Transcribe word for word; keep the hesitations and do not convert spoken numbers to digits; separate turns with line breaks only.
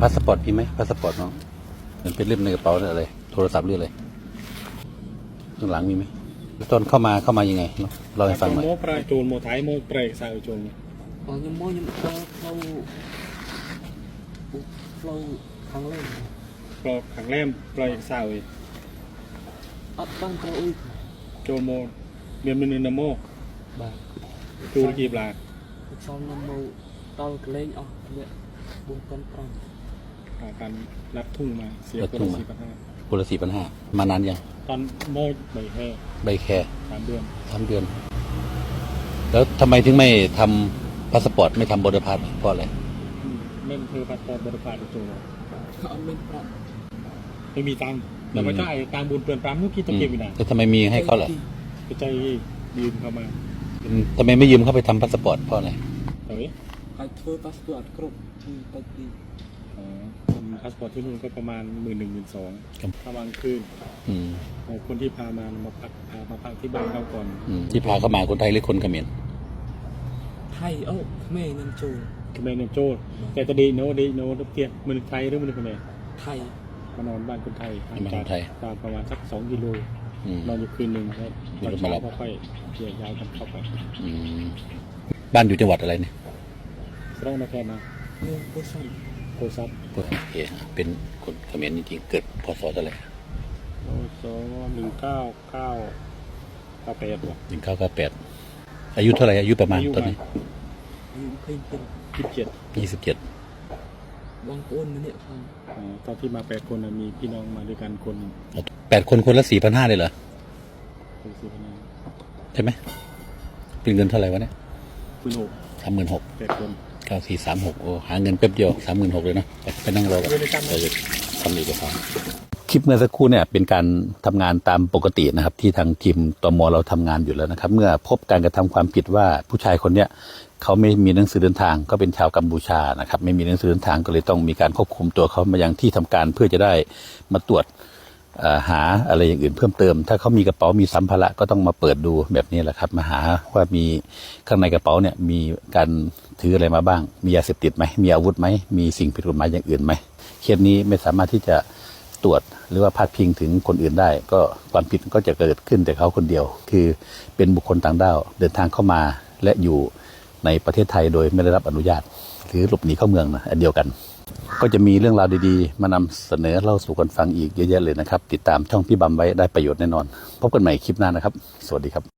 พาสปอร์ตมีไหมพาสปอร์ตน้องมันเป็นเล่มในกระเป๋าอะไรโทรศัพท์หรืออะไรข้างหลังมีไหมตอนเข้ามาเข้ามายังไงเราให้ฟังหน่อย
โมปลายจูนโมไทยโมเปรย์สาวจูน
อ๋อยังโมยังเราเราเราครั้งแรก
ปลอกขังแรมปลายสาว
อัดบ้างเราอุ้ย
จูนโมเมียนมินนโม
บ้า
จูนกีบลา
ซอนนโมตอนเล่นอ๋อเนี่ยบุญกันปรอง
การรับทุ่งมาเสียคนละสี่พันห้า
คนละสี่พันห้ามานานยัง
ตอนโมใบแค่
ใบแค่
สามเดือน
สามเดือนแล้วทำไมถึงไม่ทำพาสปอร์ตไม่ทำบอร์ดพาสเพราะอะไร
เล่นคือพาสปอร์ตบอร์ดพาสจูน
เขาไม่ปรับ
ไม่มีตังค์แต่ไม่ใช่ตังบุญเปลี่ยนปรามนุกี้ตะเกียบอยู่ไหน
แต่ทำไมมีให้เขาล่ะ
กระจายยืมเข้ามา
ทำไมไม่ยืมเข้าไปทำพาสปอร์ตเพราะอะไร
เฮ้ย
ไอ้ทัวร์พาสปอร์ตครบที่ไปดี
อ๋อพาสปอร์ตที่นู่นก็ประมาณหมื่นหนึ่งหมื่นสองถ้าบางคืนคนที่พามามาพักพามาพักที่บ้านเขาก่อน
ที่พาเข้ามาคนไทยหรือคนเขมร
ไทยเอ้าแม่นันโจ
เขมรนันโจแต่ตอนดีโนดีโนเตี้ยมันไทยหรือมันเขมร
ไทย
มานอนบ้านคนไทย
มาคนไทย
ตามประมาณสักสองกิโลนอนอยู่คืนหนึ่งครับตอนเช้าค่อยเกี่ยวยาวกันเข้าไป
บ้านอยู่จังหวัดอะไรเนี่ย
สระนครนะ
โกซับ
โกซับ
โอเคเป็นคนเขมรจริงๆเกิดพศเท่าไหร่
พศหนึ่งเก้าเก้าเก้าแปด
หนึ่งเก้าเก้าแปดอายุเท่าไหร่อายุประมาณตอนนี้
อายุเพิ่งเป็น
ยี่สิบเจ็ด
ยี่สิบเจ็ด
บางคนนะเนี่ยฟัง
ตอนที่มาแปดคนมีพี่น้องมาด้วยกันคน
แปดคนคนละสี่พันห้าเลยเหรอใช่ไหมเป็นเงินเท่าไหร่วะเนี่ย
หมื่นหก
สามหมื่นหก
แปดคน
เก้าสี่สามหกโอ้หาเงินแป๊บเดียวสามหมื่นหกเลยนะไปนั่งรอกันเราจะทำอีกครับคลิปเมื่อสักครู่เนี่ยเป็นการทำงานตามปกตินะครับที่ทางทีมตม.เราทำงานอยู่แล้วนะครับเมื่อพบการกระทำความผิดว่าผู้ชายคนเนี้ยเขาไม่มีหนังสือเดินทางก็เป็นชาวกัมพูชานะครับไม่มีหนังสือเดินทางก็เลยต้องมีการควบคุมตัวเขามายังที่ทำการเพื่อจะได้มาตรวจหาอะไรอย่างอื่นเพิ่มเติมถ้าเขามีกระเป๋ามีสัมภาระก็ต้องมาเปิดดูแบบนี้แหละครับมาหาว่ามีข้างในกระเป๋าเนี่ยมีการถืออะไรมาบ้างมียาเสพติดไหมมีอาวุธไหมมีสิ่งผิดกฎหมายอย่างอื่นไหมเคสนี้ไม่สามารถที่จะตรวจหรือว่าพาดพิงถึงคนอื่นได้ก็ความผิดก็จะเกิดขึ้นแต่เขาคนเดียวคือเป็นบุคคลต่างด้าวเดินทางเข้ามาและอยู่ในประเทศไทยโดยไม่ได้รับอนุญาตหรือหลบหนีเข้าเมืองนะอันเดียวกันก็จะมีเรื่องราวดีๆมานำเสนอเล่าสู่กันฟังอีกเยอะแยะเลยนะครับติดตามช่องพี่บำไว้ได้ประโยชน์แน่นอนพบกันใหม่คลิปหน้านะครับสวัสดีครับ